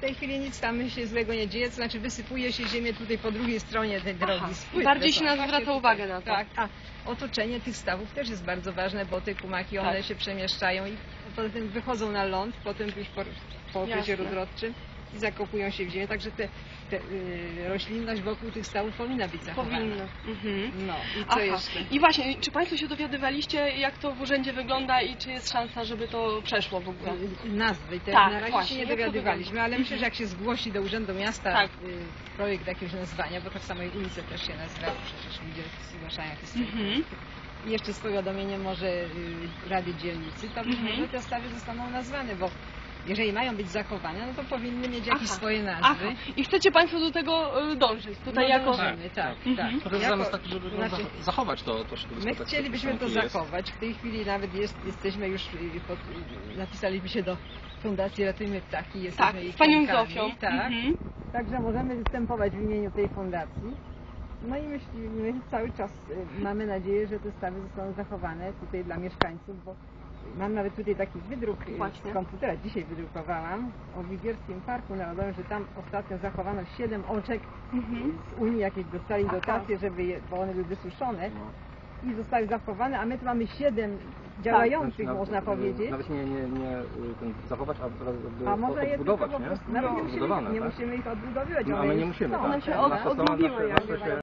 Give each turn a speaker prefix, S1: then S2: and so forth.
S1: tej chwili nic tam się złego nie dzieje, to znaczy wysypuje się ziemię tutaj po drugiej stronie tej drogi.
S2: Bardziej się nas zwraca uwagę na to.
S1: Tak, a otoczenie tych stawów też jest bardzo ważne, bo te kumaki, one się przemieszczają i poza tym wychodzą na ląd, potem już po okresie rozrodczym i zakopują się w ziemię, także roślinność wokół tych stawów powinna być zachowana.
S2: Powinna.
S1: No i co jeszcze?
S2: I właśnie, czy Państwo się dowiadywaliście, jak to w urzędzie wygląda i czy jest szansa, żeby to przeszło w ogóle?
S1: Nazwy,
S2: Tak,
S1: na razie
S2: właśnie,
S1: się nie dowiadywaliśmy, ale myślę, że jak się zgłosi do Urzędu Miasta projekt jakiegoś nazwania, bo tak samo i ulice też się nazywa, przecież ludzie zgłaszają jakieś swoje i jeszcze z powiadomieniem może Rady Dzielnicy, to być może te stawy zostaną nazwane, bo jeżeli mają być zachowane, no to powinny mieć jakieś swoje nazwy.
S2: I chcecie Państwo do tego dążyć? Tutaj
S1: dążymy, tak.
S3: To jest zamysł taki, żeby zachować to środowisko.
S1: My chcielibyśmy to zachować. W tej chwili nawet jesteśmy już, napisaliśmy się do Fundacji Ratujmy Ptaki. Jesteśmy
S2: z Panią Zofią.
S1: Tak. Także możemy występować w imieniu tej fundacji. No i myślimy, cały czas mamy nadzieję, że te stawy zostaną zachowane tutaj dla mieszkańców, bo mam nawet tutaj taki wydruk z komputera, dzisiaj wydrukowałam, o Wigierskim Parku Narodowym, że tam ostatnio zachowano 7 oczek z Unii, jakieś dostali dotacje, bo one były wysuszone i zostały zachowane, a my tu mamy 7 działających, można powiedzieć.
S3: Nawet nie zachować,
S1: a może je tylko
S3: odbudować,
S1: po prostu, nawet nie musimy ich odbudowywać.
S3: No, ale nie musimy,
S2: one się odbudują.